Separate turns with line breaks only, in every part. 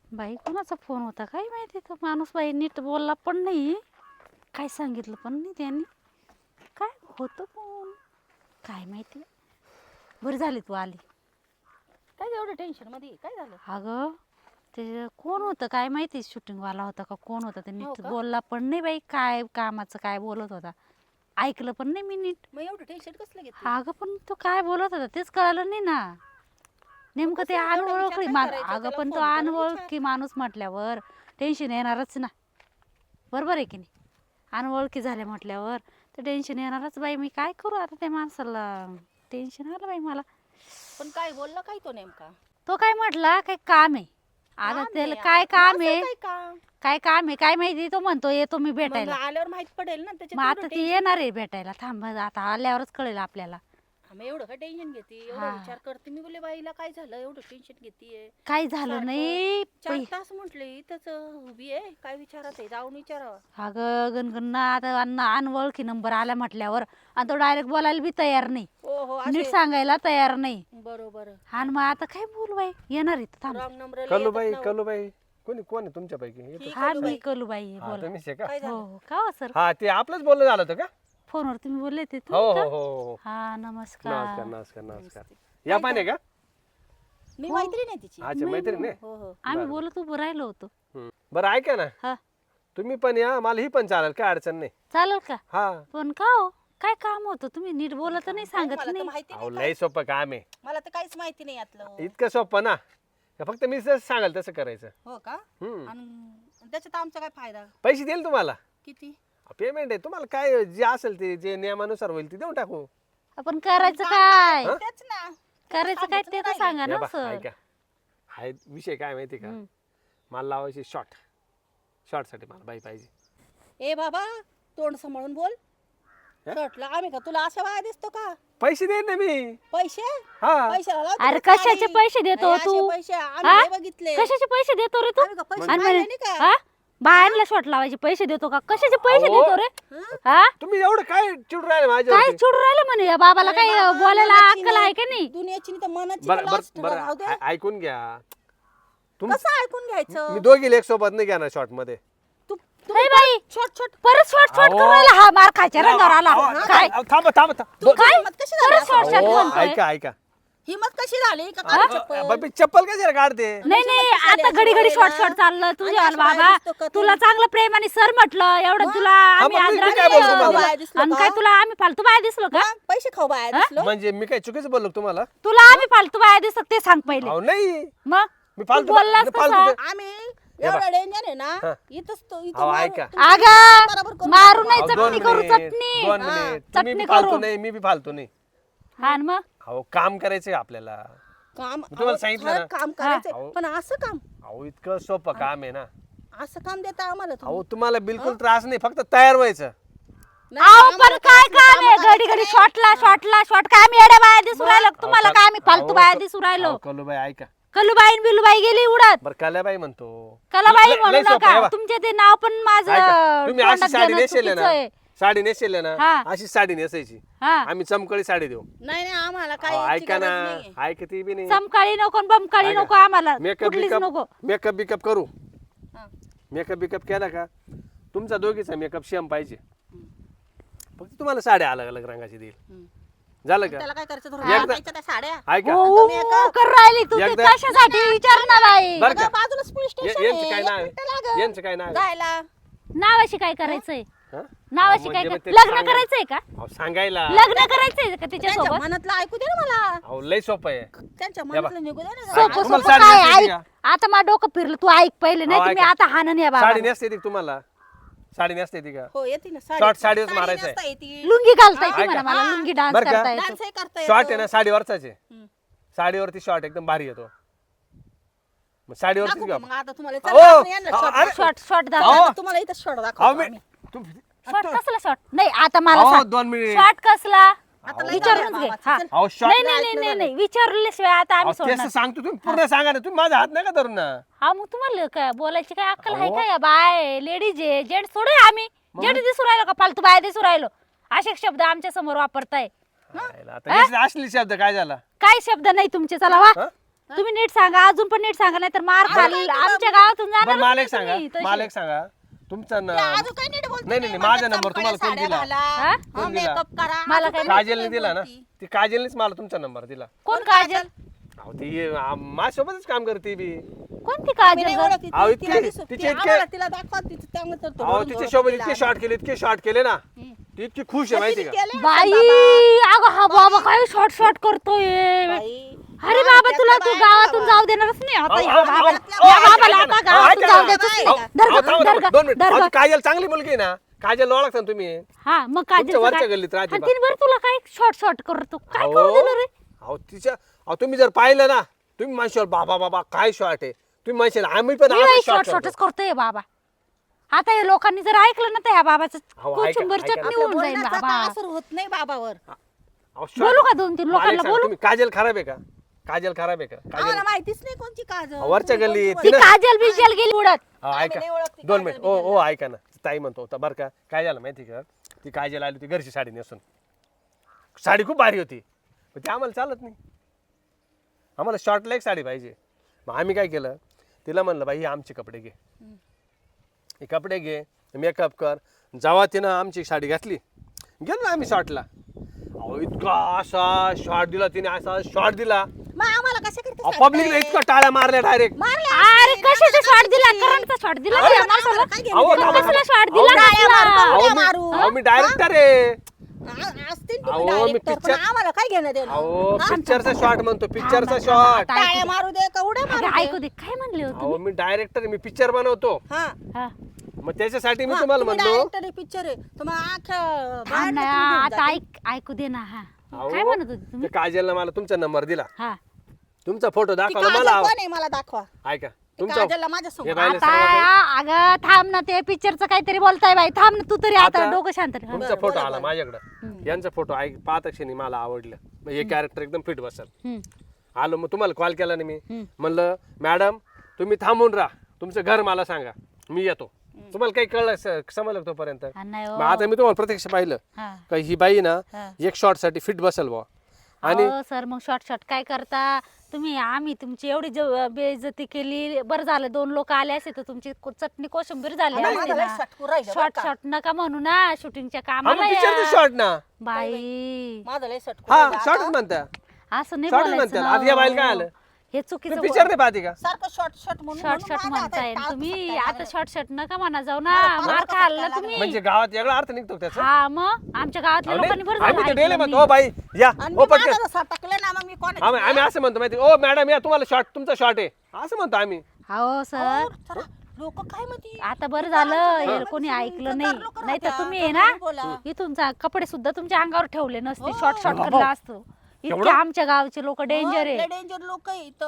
बाई कोणाचा फोन होता काय माहिती, तो माणूस बाई नीट बोलला पण नाही, काय सांगितलं पण नाही त्यांनी, काय होतं फोन काय माहिती. बरं झाली तू आली.
काय एवढं टेन्शन मध्ये काय झालं?
अगं ते कोण होतं काय माहिती, शूटिंगवाला होता का कोण होता, ते
हो
नीट
का?
बोलला पण नाही बाई, काय कामाचं काय बोलत होता ऐकलं पण नाही मी नीट.
मग एवढं टेन्शन कसलं घेते?
अगं पण तो काय बोलत होता तेच कळालं नाही ना नेमकं. ते
कसं एवढा विचार
अनओळखी
काय करायचा?
अगं
त्याला
पण तो
फोन करून
अनओळखी माणूस म्हटल्यावर टेन्शन येणारच ना, बरोबर आहे की नाही. अनओळखी झाले म्हटल्यावर तर टेन्शन येणारच बाई. मी काय करू आता, त्या माणसाला टेन्शन आलं बाई मला.
पण काय बोलला काय तो नेमका?
तो काय म्हटला काय काम आहे, आता
काम
त्याला
आहे
काय
यार.
काम
असं
आहे,
काय काम?
काय काम आहे काय माहिती. तो म्हणतो येतो मी
मग
भेटायला.
आल्यावर माहित पडेल ना
मग
त्याच्यात
आता
एवढं
ती
टेन्शन.
येणार आहे भेटायला, थांब आता आल्यावरच कळेल आपल्याला.
मग एवढं काय टेन्शन घेते? एवढा
हा.
विचार करते मी, बोले बाईला काय झालं एवढं टेन्शन घेतीये?
काही झालं
सारखं
नाही
4 तास म्हटले इथंच उभी आहे, काय विचारत आहे? जाऊन विचारावं.
अगं गणगणना आता अनवळखी नंबर आला म्हटल्यावर आणि तो डायरेक्ट बोलायला बी तयार नाही,
हो हो
नीट
असे
सांगायला तयार नाही.
बरोबर.
आणि मग आता काय बोलू बाई, येणार आहे थांब.
रॉंग नंबर
कलूबाई कोण आहे तुमच्यापैकी?
ही
हा
कलूबाई.
मी कलूबाई आहे,
हा
बोला.
तुम्हीच आहे का?
काय
हो
झालं?
हो का हो सर,
हा ते आपलंच बोलणं झालं होतं का?
फोनवर तुम्ही बोलले ते
हो
तुम्ही
हो
का?
हो हो.
हा नमस्कार.
नमस्कार. या पाणी का?
मी मैत्रीण आहे तिची.
अच्छा मैत्रीण आहे.
हो हो.
आम्ही बोलत उभं राहिलो होतो.
बरं ऐका ना,
हा
तुम्ही पण या, मला ही पण चालेल, काय अडचण नाही.
चालेल का?
हा
पण का हो, काय काम होतं, तुम्ही नीट बोलत नाही, सांगत
मला तर
नाही.
माहिती
अहो
नाही
लय सोपं काम आहे,
मला तर काहीच माहिती नाही यातलं.
इतकं सोपं ना, का फक्त मी जसं सांगाल तसं करायचं.
हो का?
हम्म.
आणि त्याच्यात आमचा काय फायदा?
पैसे देईल तुम्हाला,
किती?
पेमेंट आहे तुम्हाला, काय जे असेल ते जे नियमानुसार होईल ते देऊन टाकू.
आपण करायचं काय,
तेच ना.
करायचं काय ते तर सांगा
या
ना
बा,
सर.
ऐका हाय विषय काय माहिती का,
हम्म.
मला लावायची शॉर्टसाठी मला बाई पाहिजे.
ए बाबा तोंड सांभाळून बोल.
हा?
शॉर्टला आम्ही का तुला अशा वाया दिसतो का?
पैसे देईन ना मी.
पैसे?
हा
पैशाला लावते
अरे
का
कशाचे
साडी?
पैसे देतो
नाही, असे
तू?
पैसे आम्ही
हा?
नाही बघितले.
कशाचे पैसे देतो रे तू?
आम्ही का पैसे
आणि
पाहिले
म्हणे,
नाही का?
हा? बायांना शॉट लावायचे पैसे देतो का? कशाचे पैसे
अहो.
देतो रे?
हं?
हा?
तुम्ही एवढं काय चिडून राहिले
काय
माझ्यावरती?
चिडून राहिलं म्हणे या बाबाला,
अरे
काही
बाबा,
बोलायला
मनाची
अक्कल आहे
नाही,
का नाही?
दुनियाची नाही तर मनाची
बरं
तर last
बरं
राहू दे.
बरं ऐकून घ्या.
कसं ऐकून घ्यायचं?
मी दोघी लेख सोबत नाही घेणार शॉर्ट मध्ये.
तू
हे बाई
छोट छोट
परत शॉट
अहो.
करायला हा मार खायच्या रंगावर आला काय?
थांबा
तू काय हिम्मत कशी झाली
परत
असं?
शॉट
अहो,
म्हणतोय.
ऐका
हिम्मत कशी झाली का काढू चप्पल?
बाबी चप्पल कशाला काढते?
नाही नाही आता घडी घडी शॉर्ट चाललं तुझ्या
आणि असं बाहेर
बाबा.
दिसतो का तू?
तुला चांगलं प्रेमाने सर म्हटलं एवढं तुला आम्ही
मग मी
आदराने
काय बोलतो
दिलं.
तुम्हाला?
बाया दिसलो
आणि
का?
काय तुला आम्ही फालतू बाया दिसलो का?
हा? पैसे खाऊ बाया दिसलो?
म्हणजे मी काय चुकीचं बोललो का तुम्हाला?
तुला आम्ही फालतू बाया दिसत ते सांग पहिले.
अहो नाही
मग
मी
तू
फालतू
बोललास
मी फालतू
कसा?
आम्ही
या बा.
एवढा डेंजर आहे ना
हा.
इथंच तो इथं
अहो,
मारू.
ऐका.
तुमचं
अगं
बरोबर करून
मारू
टाकू.
नाही,
अहो,
चटणी करू
मिनिट,
चटणी.
2
हा,
मिनिट तुम्ही
चटणी
बी फालतू
करू.
नाही मी बी फालतू नाही.
हा आणि मग
अहो काम करायचंय आपल्याला.
काम
मी तुम्हाला
अहो,
सांगितलं
खरं
ना.
काम
हा.
करायचं पण असं काम
अहो इतकं सोपं काम आहे ना.
असं काम देता आम्हाला तुम्ही?
अहो तुम्हाला बिलकुल त्रास नाही, फक्त तयार व्हायचं.
नाही,
अहो
आम्हाला
पण काय
काहीच
काम आहे
कामं
घडी घडी
करायचं
शॉट काय आम्ही येड्या बाया दिसू राहिलो का तुम्हाला?
अहो,
काय आम्ही फालतू
अहो,
बाया दिसू राहिलो?
अहो, कलूबाई ऐका.
कलूबाई न बिलूबाई गेली उडत.
बरं कल्याबाई म्हणतो.
कलाबाई
लय-
म्हणू
लय सोपं आहे
नका,
बा.
तुमचे ते नाव पण माझं
ऐका, तुम्ही अशी
तोंडात
साडी
घेणं
नेसेल
चुकीचं
ना,
आहे.
साडी नेसेल ना,
हा.
अशी साडी नेसायची.
हा
आम्ही चमकळी साडी देऊ.
नाही नाही आम्हाला
अहो,
काय
ऐका ना, ऐका ती बी नाही.
चमकाळी नको न बमकाळी
ऐका.
नको आम्हाला,
मेकअप
कुठलीच नको.
बिकअप करू.
हा.
मेकअप केला का तुमचा दोघीचा मेकअप सेम पाहिजे. फक्त तुम्हाला साड्या अलग अलग रंगाची देईल.
हम्म.
झालं का?
त्याला काय करायचं
एकदा-
धरून घालायच्या त्या साड्या
ऐका
हो, कर राहिली तू ते
एकदा-
कशासाठी विचार ना बाई.
बरं का?
अगं, बाजूलाच पोलीस स्टेशन
यांचं
आहे.
काय
एक
नाव
मिनिटं
आहे?
लागेल.
यांचं काय नाव आहे?
जायला
नावाशी काय करायचंय?
हा?
नावाशी
अहो,
काय
म्हणजे मग ते
लग्न
सांगा-
करायचंय का?
अहो, सांगायला
लग्न करायचंय का
त्यांच्या
तिच्यासोबत?
मनातलं ऐकू दे ना मला.
अहो लय सोपं आहे.
त्यांच्या
या बा.
मनातलं निघू दे ना
सोपं-
जरा.
सोपं
तुम्हाला
सोपं
साडी
काय
नेसते
ऐक.
का?
आता माझं डोकं फिरलं, तू ऐक पहिले, नाही
अहो,
तर मी
ऐका.
आता हाणन या बाबा.
साडी नेसते ती तुम्हाला? साडी नेसते ती का?
हो येते ना
Short साडीवरच मारायचं आहे.
नेसता येते.
लुंगी घालता येते
ऐका.
म्हणा मला,
हा.
लुंगी डान्स
बरं का?
करता येतो.
डान्सही करता
शॉर्ट
येतो.
आहे ना साडीवरचाच आहे.
हम्म.
साडीवरती शॉर्ट एकदम भारी येतो. मग साडीवरतीच
दाखवू
घ्या.
का मग आता तुम्हाला
अहो,
चला आपण यांना
अहो,
short
अरे,
दाखवू.
शॉर्ट
अहो.
दाखव.
आता तुम्हाला इथं शॉर्ट
अहो
दाखवतो
मी
आम्ही.
शॉर्ट कसला शॉर्ट? नाही आता मला
अहो,
सांग.
2 मिनिट.
शॉर्ट कसला?
आता लई
विचारूनच
झालं
घे.
बाबा.
हा.
चल.
अहो शॉर्ट
नाही नाही नाही नाही विचारल्याशिवाय आता आम्ही
तेच तर
सोडणार.
सांगतो, तुम्ही पूर्ण सांगा ना. तुम्ही माझा हात नका धरून ना.
हा मग तुम्हाला काय बोलायची काय अक्कल आहे
अहो.
का? या बाय लेडीज आहे, जेंट्स थोडे आहे आम्ही. जेंट्स दिसू राहिलो का फालतू बाय दिसू राहिलो? असे शब्द आमच्या समोर वापरताय.
हायला, आता हे असले शब्द काय झाला?
काय शब्द नाही तुमचे, चला वा.
हा?
तुम्ही नीट सांगा, अजून पण नीट सांगा, नाही तर मार खाल आमच्या गावातून
बरं
जाणार
मला एक सांगा, मला एक सांगा तुमचा
अजून काही नीट बोलते
नाही नाही माझा नंबर तुम्हाला कोण दिला
हा?
कोण दिला?
मेकअप करा
मला
अजून
काय
काही
काजलने
नीट
दिला ना
बोलती.
ती काजलनेच मला तुमचा नंबर दिला
कोण काजल?
अहो ती माझ्यासोबतच काम करते बी
कोणती
आम्ही नाही
काजल गं?
ओळखत ती,
अहो,
तिला
इतके-
दिसू-
तिचे
ती
इतके-
आम्हाला तिला दाखवा तिचं चांगलं तर तो
अहो
म्हणून
तिच्या
ओळखत
सोबत
तिला
इतके शॉर्ट केले इतके शॉर्ट केले ना ती इतकी खुश आहे माहिती
किती
का
केले
बाई
बाबा.
अगं हा बाबा काय शॉर्ट शॉर्ट करतोय.
बाई.
अरे बाबा तुला तू
त्यातल्या
गावातून
बाया
जाऊ देणारच नाही आता
अहो,
या
अहो,
बाबाला.
अहो,
या
अहो,
बाबाला
ऐका
आता
ना,
गावातून
ऐका
जाऊ
ना.
देतच
अहो,
नाही. धर
अहो,
गं,
थांबा,
धर
थांबा,
गं,
2 मिनिट
धर
अहो,
गं.
ती काजल चांगली मुलगी आहे ना काजल ओळखता ना तुम्ही
हा मग काजल
तुमच्या वरच्या गल्लीत राहते बा.
तीन बरं तुला काय शॉर्ट शॉर्ट करतो काय
अहो
करू दिलं रे?
अहो तिच्या अहो तुम्ही जर पाहिलं ना तुम्ही म्हणशाल बाबा बाबा काय शॉर्ट आहे तुम्ही म्हणशाल आम्ही पण
मी
असं
शॉर्ट
शॉर्ट
शॉर्टच करतोय बाबा. आता हे लोकांनी जर ऐकलं ना तर ह्या बाबाचं
अहो, ऐका-
कोचुंबर
ऐका ना.
चटणी
आपल्या
होऊन जाईल
बोलण्याचा
बाबा.
असर होत नाही बाबावर
बोलू का 2-3 लोकांना बोलू?
तुम्ही काजल खराब आहे का काजल खराब आहे का
आम्हाला
काजल
माहितीच नाही कोणची काजल
वरच्या
तुम्ही
गल्लीत
कोणची
ती काजल बिजल गेली उडत.
अहो,
आम्ही
ऐका
नाही ओळखती
2
काजल
मिनिट
बिजल.
ओ ऐका ना ताई म्हणतो होता बरं का काय झालं माहिती का ती काजल आली होती घरची साडी नेसून साडी खूप भारी होती पण ती आम्हाला चालत नाही आम्हाला शॉर्टला एक साडी पाहिजे मग आम्ही काय केलं तिला म्हणलं बाई हे आमचे कपडे घे हे कपडे घे मेकअप कर जेव्हा तिनं आमची साडी घातली गेलो ना आम्ही शॉर्टला अहो इतका असा शॉर्ट दिला तिने असा शॉर्ट दिला
मग आम्हाला कसं करते
पब्लिकला इतका टाळ्या मारल्या डायरेक्ट
अरे कशाचा शॉट दिला? करंटचा शॉट दिला का या माणसाला?
काय घेणं
अहो,
देणं?
थांबा,
कसला
थांबा.
शॉट दिला
टाळ्या
कसला?
मारू,
अहो,
उड्या
मी-
मारू.
अहो मी डायरेक्टर आहे
असतील
अहो,
तुम्ही
मी
director, पण
picture-
आम्हाला काय घेणं देणं
अहो
हा?
पिक्चरचा शॉट म्हणतो पिक्चरचा
थांबा,
शॉट
थांबा.
टाळ्या मारू दे का उड्या
अगं,
मारू
ऐकू
दे
दे काय म्हणले हो
अहो
तुम्ही?
मी डायरेक्टर मी पिक्चर बनवतो
हा
हा.
मग त्याच्यासाठी मी तुम्हाला म्हणलो
डायरेक्टर पिक्चर आहे तुम्ही आख्या
थांब
बाहेरनं
ना,
तुम्ही घेऊन
आता
जाते.
ऐकू दे ना. हा
अहो,
काय म्हणत होते
ते
तुम्ही?
काजलनं मला तुमचा नंबर दिला
हा
तुमचा फोटो
ती
दाखवला
काजल
मला
कोण आहे मला दाखवा
ऐका
ती
तुमचा
काजलला माझ्या
हे
समोर
बाईला
आता
सांगा
अगं थांब ना ते पिक्चरचं काहीतरी बोलताय बाई. थांब ना तू तरी आता
आता
डोकं शांत ठेव.
तुमचा
बरं,
फोटो
बोला,
आला
बोला.
माझ्याकडं यांचा फोटो पाहता क्षणी मला आवडलं मग हे कॅरेक्टर एकदम फिट बसल
हम्म.
आलो मग तुम्हाला कॉल केला ना मी
हम्म.
म्हणलं मॅडम तुम्ही थांबून राहा तुमचं घर मला सांगा मी येतो तुम्हाला काही कळलं समजलं तोपर्यंत
हा, नाही हो.
मग आता मी तुम्हाला प्रत्यक्ष पाहिलं
हा.
का ही बाई ना
हा.
एक शॉर्ट साठी फिट बसल बुवा आणि
अहो, सर मग शॉर्ट शॉर्ट काय करता तुम्ही? आम्ही तुमची एवढी बेइज्जती केली. बरं झालं 2 लोक आले असते तर तुमची चटणी कोशिंबीर झाली
आता
असती
माझं लय
ना.
सटकू राहिलं बरं
शॉर्ट
का?
शॉर्ट नका म्हणू ना शूटिंगच्या कामाला
पिक्चरचं
या.
शॉर्ट ना
बाई
माझं लय सटकू
हा
राहिलं.
शॉर्टच
आता
म्हणता
असं नाही
शॉर्टच
बोलायचं
म्हणतात
ना
आता या बाईला काय
हो.
आलं
हे
तुम्ही
चुकीचं
पिक्चर नाही पाहते का
सारखं शॉर्ट शॉर्ट म्हणून
शॉर्ट
म्हणून
शॉर्ट
माझं आता
म्हणताय
टाळकं
तुम्ही.
फुटायला
आता
लागलं.
शॉर्ट शॉर्ट नका म्हणा जाऊ ना.
मला
मार
परत
खाल्ला
फुटायला
तुम्ही.
म्हणजे गावात वेगळा अर्थ निघतो त्याचा
हा मग आमच्या गावातल्या
अहो,
लोकांनी
नाही,
बरं
आम्ही तर
झालं
डेली
ऐकलं
म्हणतो
मी.
ओ बाई या
आणि
ओ
मी
पटकन
माझं जसं टाकलं ना मग मी कोणाची
आम्ही असं म्हणतो माहिती ओ मॅडम या तुम्हाला शॉर्ट तुमचा शॉर्ट आहे असं म्हणतो आम्ही
हो सर
लोक काय म्हणते
आता बरं झालं हे कोणी ऐकलं नाही. नाही तर तुम्ही आहे ना इथून कपडे सुद्धा तुमच्या अंगावर ठेवले नसते. शॉर्ट शॉर्ट करला असतो. इतके आमच्या गावचे लोक डेंजर आहे.
डेंजर लोक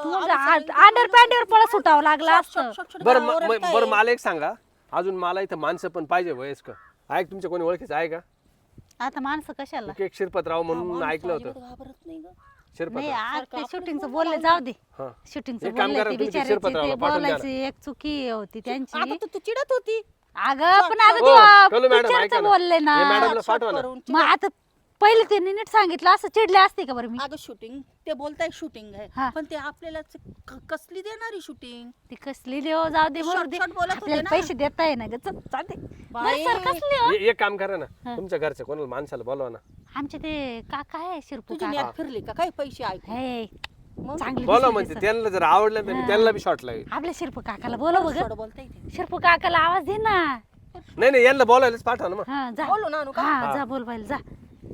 अंडर पॅन्टवर पळा सुटावं लागलं असतं.
बरं बरं मला एक सांगा अजून मला इथं माणसं पण पाहिजे वयस्कर ऐक तुमच्या कोणी ओळखीचं आहे का
आता माणसं कशाला?
एक शिरपतराव म्हणून ऐकलं होतं
घाबरत नाही ग
नाही
शिरपतराव
आज ते शूटिंगचं बोलले जाऊ दे.
हा
शूटिंगचं
एक काम
बोलले
करा,
ते
तुम्ही ते
बिचारायची
शिरपतरावला
ते
पाठवून द्या
बोलायची एक चुकी होती त्यांची.
आता तू चिडत होती
अगं पण आता
हो, कळलं
ते
मॅडम, ऐका
पिक्चरचं
ना.
बोलले ना.
हे मॅडमला
शॉर्ट
पाठवा ना.
करून
मग आता पहिले त्यांनी नीट सांगितलं असं चिडले असते का बरं मी?
अगं शूटिंग ते बोलताय शूटिंग
हा.
आहे पण ते आपल्याला कसली देणारी शूटिंग
ती कसली देव जाऊ दे म्हणून दे.
शॉर्ट बोलत होते
आपल्याला
ना.
पैसे देताय ना ग चल, जाऊ दे.
बाई.
बरं, सर कसली हो?
एक काम करा ना तुमच्या घरचं कोणाला माणसाला बोलवा ना
आमचे ते काका आहे शिरपू
तुझी
काका.
नेट फिरली का काही पैसे ऐकू
हे
मग
चांगली
बोला
दिसली
म्हणजे
सर.
त्यांना जर आवडलं तर मी त्यांना बी शॉर्ट लागेल
आपल्या शिरपू काकाला बोलव बघ.
थोडं बोलता येते
शिरपू काकाला आवाज दे ना.
नाही नाही यांना बोलायलाच पाठवा ना मग
हा जा.
बोलू ना अनुका?
हा जा बोलवायला जा.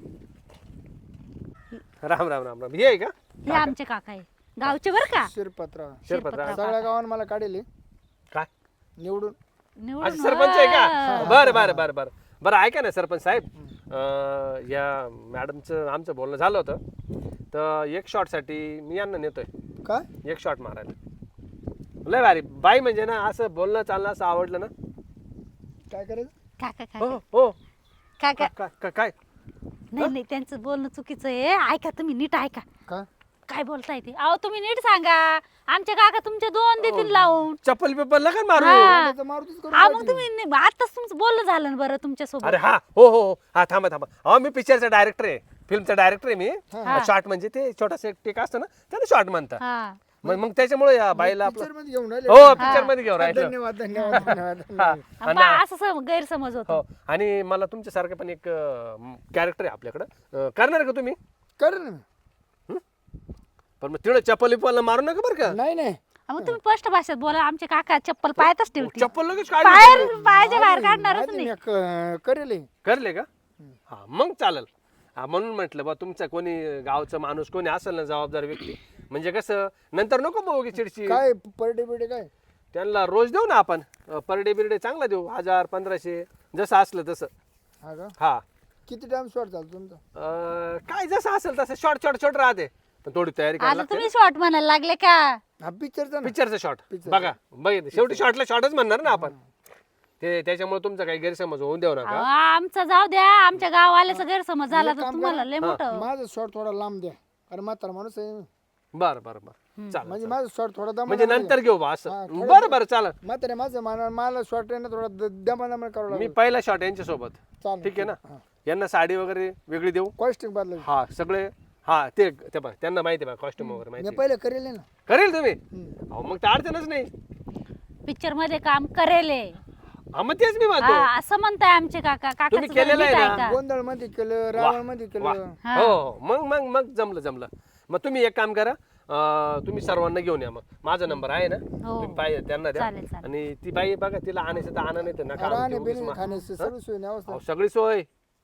राम राम राम राम हे आहे का
हे आमचे काका आहे गावचे बर का.
शिरपतराव
शिरपतराव
सगळ्या गावानं मला काढले
काय
निवडून
निवडून
अच्छा सरपंच आहे का
हा.
बरं बरं बरं बरं बरं ऐका ना सरपंच साहेब या मॅडमचं आमचं बोलणं झालं होतं तर एक शॉटसाठी मी यांना नेतोय
काय
एक शॉट मारायला लय भारी बाई म्हणजे ना असं बोलणं चालणं असं आवडलं ना
काय करायचं
काका
हो
काका
हो
काका
काय
नाही नाही त्यांचं बोलणं चुकीचं आहे. ऐका तुम्ही नीट ऐका
काय
काय बोलताय ते. अहो तुम्ही नीट सांगा. आमच्या काका तुमचे 2 देतील लावून.
चप्पल पेपर लगा मारू
हा.
त्याचं मारुतीच करून
हा मग
टाकली.
तुम्ही आताच तुमचं बोलणं झालं ना बरं तुमच्या सोबत.
अरे हा हो हो हो हा थांबा थांबा अहो मी पिक्चरचा डायरेक्टर आहे फिल्मचा डायरेक्टर आहे मी शॉर्ट म्हणजे ते छोटासा एक टेक असतं ना त्याला शॉर्ट म्हणतात
हा
मग त्याच्यामुळे या बाईला आपलं
पिक्चर मध्ये घेऊन राहिले
हो पिक्चर मध्ये घेऊन राहिलं
धन्यवाद धन्यवाद धन्यवाद
हा.
आणि बा, असं गैरसमज होतो
हो आणि मला तुमच्यासारखं पण एक कॅरेक्टर आहे आपल्याकडं करणार का तुम्ही
कर ना
पण मग तिकडे चप्पल विप्पल मारू नका बरं का
नाही नाही
मग तुम्ही स्पष्ट भाषेत बोला. आमचे काका चप्पल पायातच ठेवतील.
चप्पल लगेच
बाहेर पायाच्या बाहेर काढणारच नाही.
करेल
करले का हा मग चालेल हा म्हणून म्हटलं बा तुमचा कोणी गावचा माणूस कोणी असेल ना जबाबदार व्यक्ती म्हणजे कसं नंतर नको मग चिडची
काय पर डे बिडे काय
त्यांना रोज देऊ ना आपण पर डे बिरडे चांगला देऊ 1000-1500 जसं असलं तसं
हा का
हा
किती टाइम शॉर्ट चालतो तुमचा
काय जसं असेल तसं शॉर्ट राहते पण थोडी तयारी करायला
आता तुम्ही शॉर्ट म्हणायला लागले का?
हा पिक्चरचा ना
पिक्चरचं शॉर्ट बघा बघितलं शेवटी शॉर्टला शॉर्टच म्हणणार ना आपण ते त्याच्यामुळे तुमचा काही गैरसमज होऊन देऊ नका
अहो, आमचा जाऊ द्या. आमच्या गाववाल्याचा गैरसमज झाला तर तुम्हाला लय मोठं.
माझा शॉर्ट थोडा लांब द्या कारण म्हातारा माणूस आहे
बरं चालेल
म्हणजे माझा शॉर्ट थोडा दमा
म्हणजे नंतर घेऊ बा असं बरं चालेल
म्हातारे माझं मला शॉर्ट आहे ना थोडा दमा करावं
मी
लागेल
पहिला शॉट यांच्या सोबत
चालेल
ठीक आहे ना यांना साडी वगैरे वेगळी देऊ
कॉस्टिंग बदलायचं
हा सगळे हा ते बघ त्यांना माहिती आहे बा कॉस्ट्युम वगैरे
मी
माहिती
पहिले करेल ना
करेल तुम्ही अहो मग तर अडचणच नाही
पिक्चर मध्ये काम करेल हे.
हा मग तेच मी म्हणतो
असं म्हणताय आमचे काका.
तुम्ही
काकाचं
केलेलं आहे
नीट
ना?
ऐका.
गोंधळ मध्ये केलं रावण मध्ये
वा.
केलं
हो मग जमलं मग तुम्ही एक काम करा तुम्ही सर्वांना घेऊन या मग माझा नंबर आहे ना तुम्ही पाहिजे त्यांना द्या
चालेल, चालेल.
आणि ती बाई बघा तिला आणायचं तर आणा नाही तर नका आणू,
राहणे
ती उगीच
बिणे
मा-
खाण्याची सर्व सोय नाही अवस्था
अहो, सगळी सोय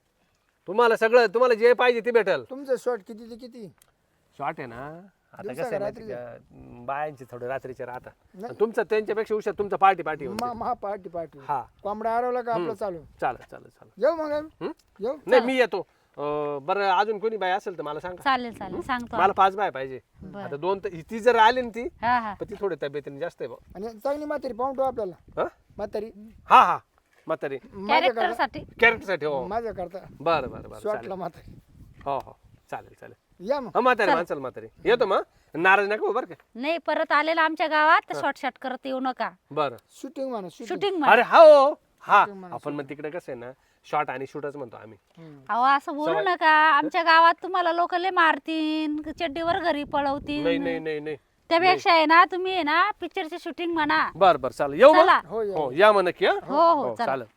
तुम्हाला जे पाहिजे ते भेटल
तुमचं शॉर्ट किती ते किती
शॉर्ट आहे ना आता
दिवसा
कसं आहे
का
माहिती का बायांचे थोडे रात्रीचे राहतात तुमचं त्यांच्यापेक्षा हुशार तुमचं पार्टी
महा पार्टी
हा
कोंबडा हरवला का आपलं चालू
चालेल
येऊ मग आम्ही?
हं?
येऊ
नाही मी येतो बरं अजून कोणी बाई असेल तर मला सांगा
चालेल सांगतो.
मला 5 बाय पाहिजे
बरं.
आता 2 ती जर आली ना ती
हा
पण ती थोडी तब्येतीने जास्त आहे बा
आणि चांगली म्हातारी पाहून ठेवू आपल्याला
हा
म्हातारी
हा म्हातारी
कॅरेक्टर साठी.
कॅरेक्टरसाठी हो
माझ्या करता
बरं चालेल
शॉर्टला म्हातारी
हो चालेल
या मग
हा म्हातारी येतो मग नाराज नका हो बरं का
नाही परत आलेला आमच्या गावात तर शॉर्ट करत येऊ नका.
बरं
शूटिंग म्हणा शूटिंग
शूटिंग
अरे हो हा आपण मग तिकडे कसं आहे ना शॉर्ट आणि शूटच म्हणतो आम्ही
अहो असं बोलू नका. आमच्या गावात तुम्हाला लोक लय मारतील चड्डीवर घरी पळवतील.
नाही
त्यापेक्षा आहे ना तुम्ही आहे ना पिक्चरची शूटिंग म्हणा.
बरं चालेल येऊ
चला.
मग
हो या
हो या मग नक्की
हो, चला.
चालेल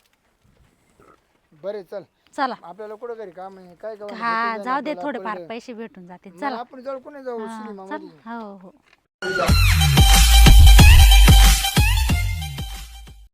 बरे चल
चला.
आपल्याला कुठं घरी काम आहे काय काम
हा जाऊ दे थोडेफार पैसे भेटून जातील. चला
आपण जाऊ कोणी जाऊ सिनेमा
चल.
मध्ये
हो